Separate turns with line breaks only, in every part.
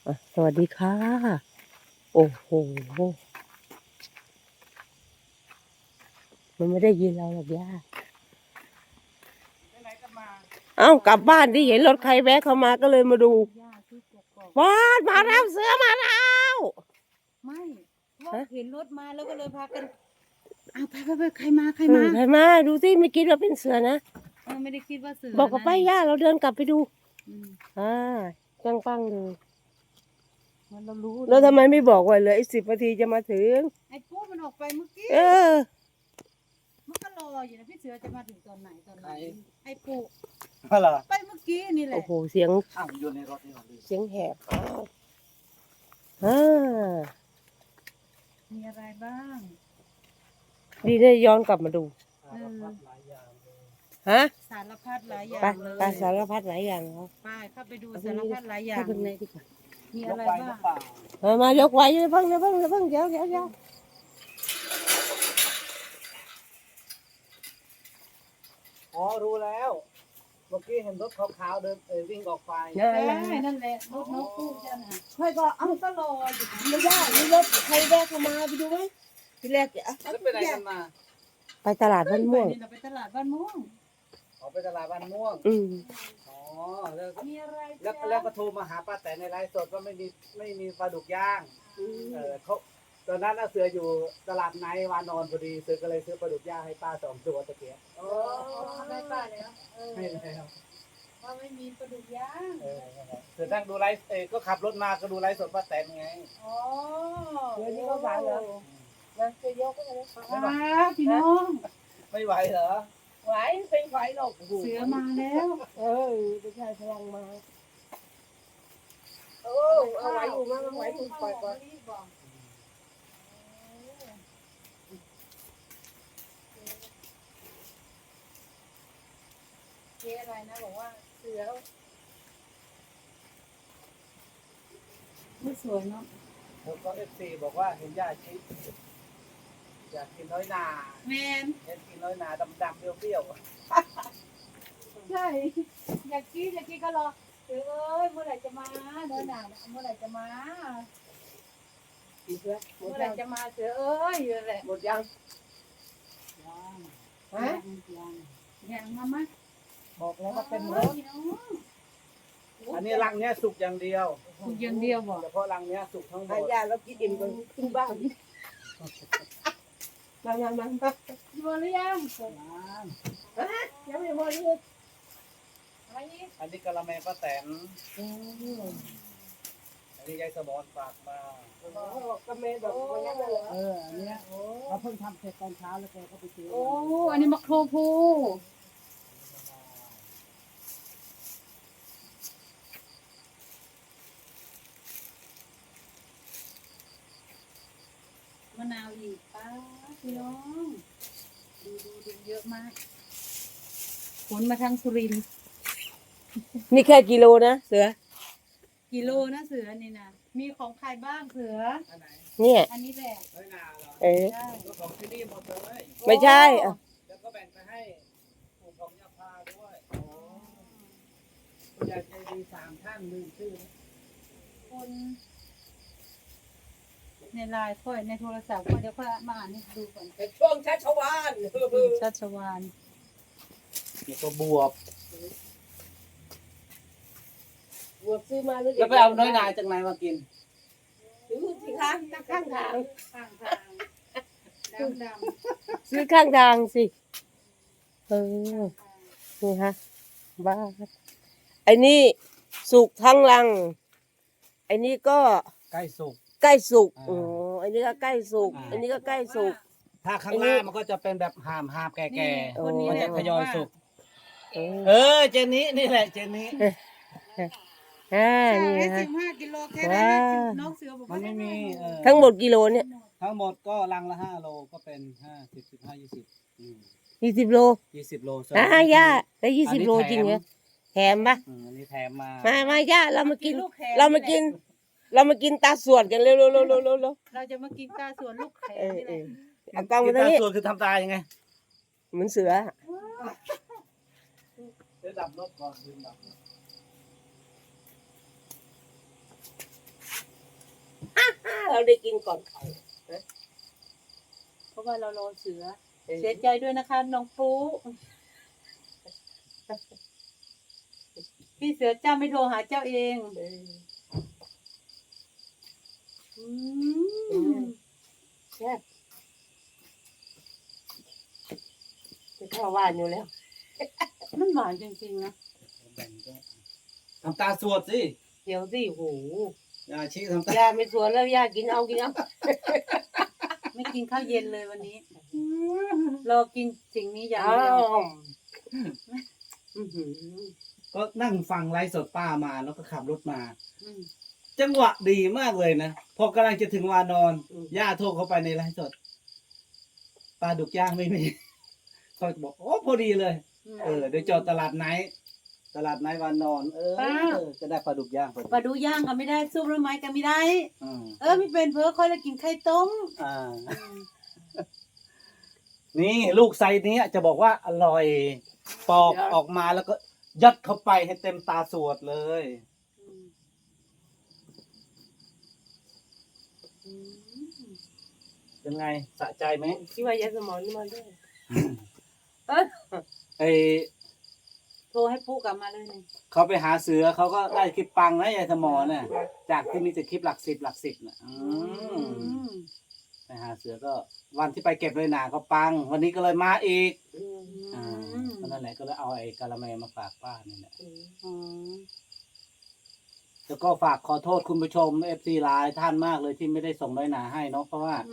สวัสดีค่ะ โอ้โห มันไม่ได้ยินเราหรอกย่าเอ้ากลับบ้านที่เห็นรถใครแวะเข้ามาก็เลยมาดูว้าดมาแล้วเสือมาแล้ว
ไม่ว่าเห็นรถมาแล้วก็เลยพากันเอาไปใครมา
ใครมาดูสิไม่คิดว่าเป็นเสือนะ
ไม่ได้คิดว่าเสือ
บอกกับป้าย่าเราเดินกลับไปดู
อ่า
จังปังเลย
เรารู้
แล้วทำไมไม่บอกว่าเหลืออีก10 นาทีจะมาถึง
ไอ้ปุ๊มันออกไปเมื่อกี้มันก็รออยู่นะพี่เสือจะมาถึงตอนไหนไอ้ปุ๊ไปเมื่อกี้นี่แหละ
โอ้โหเสียง
อยู่ในรถนี่หรอ
เสียงแหบ
มีอะไรบ้าง
ดีได้ย้อนกลับมาดูฮะ
สารพัดหลายอย่างเลย
ไปสารพัดหลายอย่างครับ
ไปเข้าไปดูสารพัดหลายอย่าง
ข้างในดีกว่า
มีอะไรบ้าง
มายกไว้เพิ่งเดี๋ยว
อ๋อรู้แล้วเมื่อกี้เห็นรถขาวๆเดินวิ่งออกไป
นั่นแหละรถนกคู่จ้ะนะ
ค่อยก็
ก็รออยู่
ไม่ได้มีรถใครแวะเข้ามาไปดูไหมทีแรก
แล้วไปไหนกันมา
ไปตลาดบ้านม่วง
ไปตลาดบ้านม่วง
ไปตลาดบ้านม่วงอ๋อแล้วก็โทรมาหาป้าแต่ในไลฟ์สดว่าไม่มีปลาดุกย่างเขาตอนนั้นเสืออยู่ตลาดไนท์วานอนพอดีเสือก็เลยซื้อปลาดุกย่างให้ป้า2 ตัวตะเกียบ
ได้ป้าแล้ว
ให้แล้ว
ว่าไม่มีปลาดุกย่าง
เสือนั่งดูไลฟ์ก็ขับรถมาก็ดูไลฟ์สดป้าแต่ไง
อ๋อ
เดี๋ยวนี้ก็ไหวเหรอนะจะยกก็เลย
พี่น้อง
ไม่ไหวเหรอ
ไหวเป็นไหวหรอก
เสือมาแล้ว
ไม่ใช่พลังมาเอาไหวอยู่มั้งไหวถูกปล่อยก่อน
เจ๊อะไรนะบอกว่าเสือไม่สวยเนาะ
แล้วก็FCบอกว่าเห็นย่าชิอยากกินน้อยนา
แมน
อยากกินน้อยนาดำๆเปรี้ยว
ใช่อยากกินก็รอเสือเมื่อไหร่จะมาน้อยหนาเมื่อไหร่จะมาเมื่อไหร่จะมาเสืออยู่แหละ
หมดยัง
ยังมา
บอกแล้วว่าเป็นรถอันนี้รังเนี้ยสุกอย่างเดียว
สุกอย่างเดียวบอก
เฉพาะรังเนี้ยสุกทั้งหมด
ยาแล้วกินอิ่มกันขึ้นบ้านมา
พอหรือยัง
ยังไม่พอเลย
อันนี้กะละแมป้าแตนอันนี้ยายสมอนฝากมาก
ะเมแบบวันนี้เลย
อันเนี้ยเราเพิ่งทำเสร็จตอนเช้าแล้วแกก็ไปซื้อ
อันนี้มะโครพูมะนาวอีกป้าพี่น้องดูเยอะมากขนมาทางสุรินทร์
นี่แค่กิโลนะเสือ
กิโลนะเสือนี่นะมีของใครบ้างเสือ
เนี่ย
อันนี้แหละ
น้อยนาเหรอ
ใช่
ของที่นี่หมดเลย
ไม่ใช่
แล้วก็แบ่งไปให้ปู่ของยาพาด้วยคุณยายใจดี3 ท่านลืมชื่อ
คนในไลน์ค่อยในโทรศัพท์ค่อยเดี๋ยวค่อยมาอ่านให้ดูก่อน
ช่วงชัชวาล
ชัชวาล
แล้วก็บวบ
ซื้อมา
แล้วไปเอาน้อยนาจากไหนมากิน
ซื้อสิคะข้างทาง
ดำ
ซื้อข้างทางสินี่ฮะบ้าไอ้นี่สุกทั้งรังไอ้นี่ก็
ใกล้สุก
อันนี้ก็ใกล้สุกอันนี้ก็ใกล้สุก
ถ้าข้างล่างมันก็จะเป็นแบบหามแก่ๆมันจะทยอยสุกเจนนี้นี่แหละเจนนี้
นี่ฮะ15 กิโลแค่นั้นน้องเสือบอก
มันไม่มี
ทั้งหมดกิโลเนี่ย
ทั้งหมดก็ลังละ5 โลก็เป็น50 15
20 โล
20 โล
ย่าได้20 โลจริงเหรอแถมปะ
อันนี้แถม
มาย่าเรามากินตาสวดกันเร็ว
เราจะมากินตาสวดลูกแขนนี่แหละ
เอากล้องมาตรงนี้
ตาสวดคือทำตายังไง
เหมือนเสือ
ดับรถก่อนดับ
เราได้กินก่อนใคร
เพราะว่าเรารอเสือเสียใจด้วยนะคะน้องปูพี่เสือเจ้าไม่โทรหาเจ้าเอง
แซ่บจะเข้าว่านอยู่แล้ว
มันหวานจริงๆนะ
ทำตาสวดสิ
เดี๋ยวสิโห
อย่าชี้ทำตา
ยาไม่สวนแล้วยากินเอากินเอา
ไม่กินข้าวเย็นเลยวันนี้รอกินสิ่งนี้อย่าง
อ้า
เดียว
ว
ก็นั่งฟังไลฟ์สดป้ามาแล้วก็ขับรถมา
อืม
จังหวะดีมากเลยนะพอกำลังจะถึงวานอนย่าโทรเข้าไปในไลฟ์สดปลาดุกย่างไม่มีเขาบอกโอ้พอดีเลย เดี๋ยวจอดตลาดไนท์วานอน จะได้ปลาดุกย่างพอดี
ปลาดูย่างก็ไม่ได้ซุปแล้วไม้ก็ไม่ได้
อืม
ไม่เป็นเพื่อค่อยแล้วกินไข่ต้ม
อ่า นี่ลูกไซส์นี้จะบอกว่าอร่อยปอกออกมาแล้วก็ยัดเข้าไปให้เต็มตาสวดเลย เป็นไงสะใจไหม
คิดว่ายาสมองนี่มาด้วย
ไอ
โทรให้ปุ๊กลับมาเลยเนี่ย
เขาไปหาเสือเขาก็ได้คลิปปังนะยายสมอเนี่ยจากที่มีแต่คลิปหลัก10น่ะไปหาเสือก็วันที่ไปเก็บเลยหนาก็ปัง วันนี้ก็เลยมาอีกก็นั่นแหละก็เลยเอาไอ้กะละแมมาฝากป้านี่แหละแล้วก็ฝากขอโทษคุณผู้ชม FC หลายท่านมากเลยที่ไม่ได้ส่งน้อยหนาให้เนาะเพราะว่า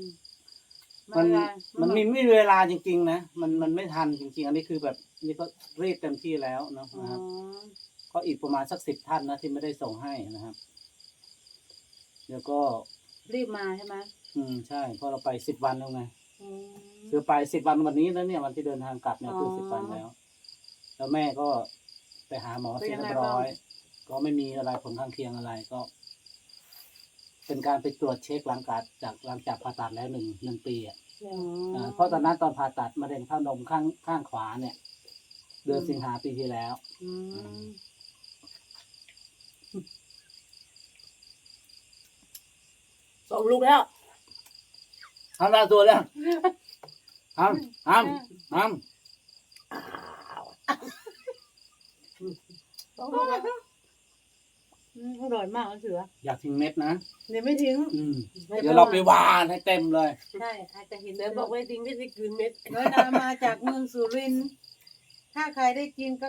มันไม่มีเวลาจริงๆนะมันไม่ทันจริงๆอันนี้คือแบบนี่ก็รีบเต็มที่แล้วเนาะนะครับก็อีกประมาณสัก10 ท่านนะที่ไม่ได้ส่งให้นะครับเดี๋ยวก็
รีบมาใช่ไหม
ใช่เพราะเราไป10 วันแล้วไงคือไป10 วันวันนี้แล้วเนี่ยวันที่เดินทางกลับเนี่ยคือ10 วันแล้วแล้วแม่ก็ไปหาหมอเสร็จเรียบร้อยก็ไม่มีอะไรผลข้างเคียงอะไรก็ เป็นการไปตรวจเช็คหลังจากผ่าตัดแล้วหนึ่งปีอ่ะเพราะตอนนั้นตอนผ่าตัดมะเร็งเต้านมข้างขวาเนี่ย เดือนสิงหาปีที่แล้ว
ส่งลูกแล้ว
ทำตาตัวแล้วทำ
ส่งลูกแล้ว
อร่อยมากเสือ
อยากทิ้งเม็ดนะ
เดี๋ยวไม่ทิ้ง
เดี๋ยวเราไปหวานให้เต็มเลย
ใช่อาจจะเห็น
เดี๋ยวบอกไว้ทิ้งไม่ได้คืนเม็ด
น้อยนามาจากเมืองสุรินทร์ถ้าใครได้กินก็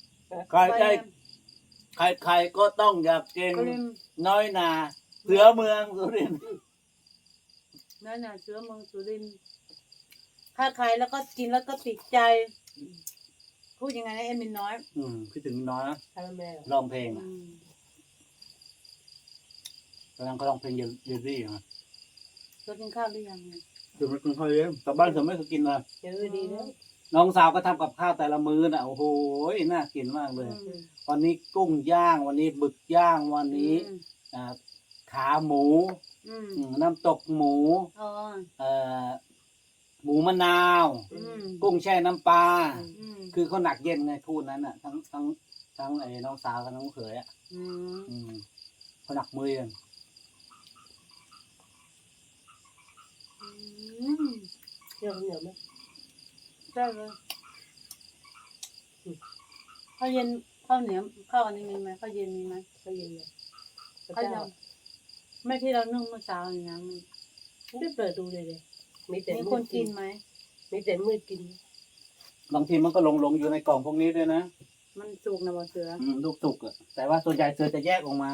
ใครก็ต้องอยากกิน
ก็เลย
น้อยนาเสือเมืองสุรินทร์
น้อยนาเสือเมืองสุรินทร์ถ้าใครแล้วก็กินแล้วก็ติดใจ พูดยังไงนะเอ็มมินน้อย
คิดถึงน้อยนะ
คาราเมล
ร้องเพลงอ่ะกำลังก็ร้องเพลงเยลลี่อ่ะ
เรากินข้าวหรือยังเนี่ย
คือมันเป็นข้าวเลี้ยงแต่บ้านผมไม่เคยกินเลย
เจอดีแล้ว
น้องสาวก็ทำกับข้าวแต่ละมื้อน่ะโอ้โหน่ากินมากเลย วันนี้กุ้งย่าง วันนี้บึกย่าง วันนี้ขาหมูน้ำตกหมู
อ๋อ
หมูมะนาว กุ้งแช่น้ำปลาคือเขาหนักเย็นไงคู่นั้นอ่ะ ทั้งไอ้น้องสาวกับน้องเขยอ่ะเขาหนักมือกัน
เดี๋ยวเหนียวไหม
ได้เลยข้าวเย็นข้าวเหนียวข้าวอันนี้มีไหมข้าวเย็นมีไหม
ก็เย็นเลย
ข้าวเย็นไม่ที่เรานึ่งเมื่อเช้านี่นะมัน
ไม่เปิดดูเลยเลยมีแต่
มี
มื
ค
ด
นกินไหม
มีแต่มืดกิน
บางทีมันก็หลงอยู่ในกล่องพวกนี้ด้วยนะ
มันสุกนะบอเสือ
ลูกสุกอ่ะแต่ว่าส่วนใหญ่เสือจะแยกออกมา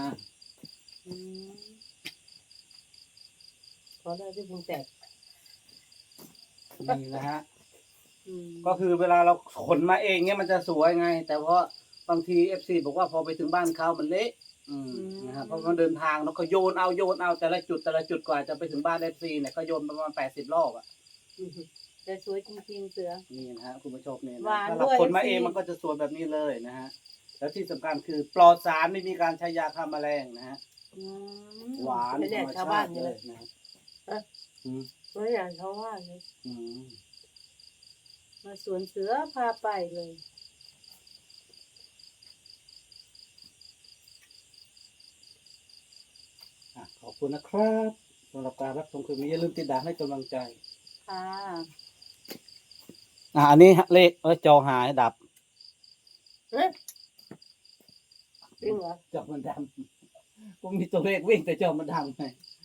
เพราะได้ที่พุงแตก
นี่นะฮะ ก็คือเวลาเราขนมาเองเนี่ยมันจะสวยไง แต่เพราะบางทีFC บอกว่าพอไปถึงบ้านเขามันเละนะครับเพราะมันเดินทางแล้วก็โยนเอาแต่ละจุดกว่าจะไปถึงบ้าน FC เนี่ยก็โยนประมาณ80 รอบอ่ะ
แต่สวยจริงๆเสือ
นี่นะฮะคุณผู้ชมเนี่ย
หวาน
ถ้า
ด้
เรา
วย
ขนมา
FC
เองมันก็จะสวยแบบนี้เลยนะฮะแล้วที่สำคัญคือปลอดสารไม่มีการใช้ยาฆ่าแมลงนะฮะหวานธรรมชาติเลยนะ
ไม่อยากเขาว่าเลย
มาสวนเสือพาไปเลย
ขอบคุณนะครับสำหรับการรับชมคลิปนี้อย่าลืมติดตามให้กำลังใจ
ค่ะ
อันนี้เลขจอหายดับ
จริงเหรอ
จอมันดำผมมีตัวเลขวิ่งแต่จอมันดำไง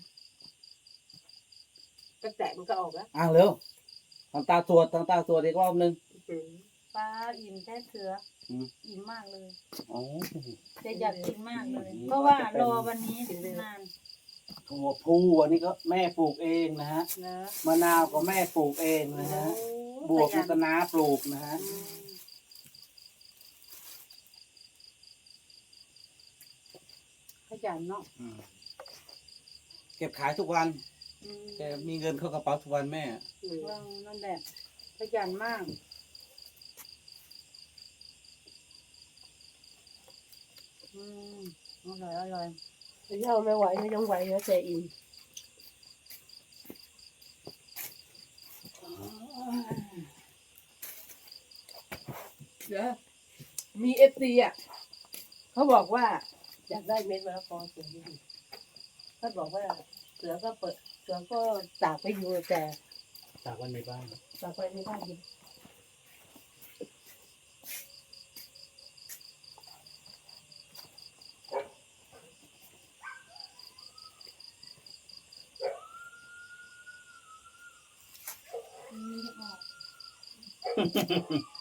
ก็แตะมันก็ออกแล้ว
เร็วทำตาสวดอีกรอบนึง
ป้าอิ่มแท้เสืออ
ม
อิ่มมากเลย
อ๋อ
จะอยากกินมากเลย เพราะว่ารอวันนี้นาน
ถั่วพูอันนี้ก็แม่ปลูกเองนะฮะ
เนอะ
มะนาวก็แม่ปลูกเองนะฮะ บวกนี่ก็น้าปลูกนะฮะ
ขยันเนาะ
เก็บขายทุกวัน
อืม
แกมีเงินเข้ากระเป๋าทุกวันแม่
นั่นแหละขยันมากอืมอร่อยอร่อย
เจ้าไม่ไหวไม่ต้องไหวแล้วแต่อิ่มเดี๋ยวมีเอฟซีอ่ะเขาบอกว่าอยากได้เม็ดมะละกอเสือนี่เขาบอกว่าเสือก็เปิดเสือก็ตากไปอยู่แต่
จากวันในบ้าน
ตากไปไม่ได้ยิน
อืม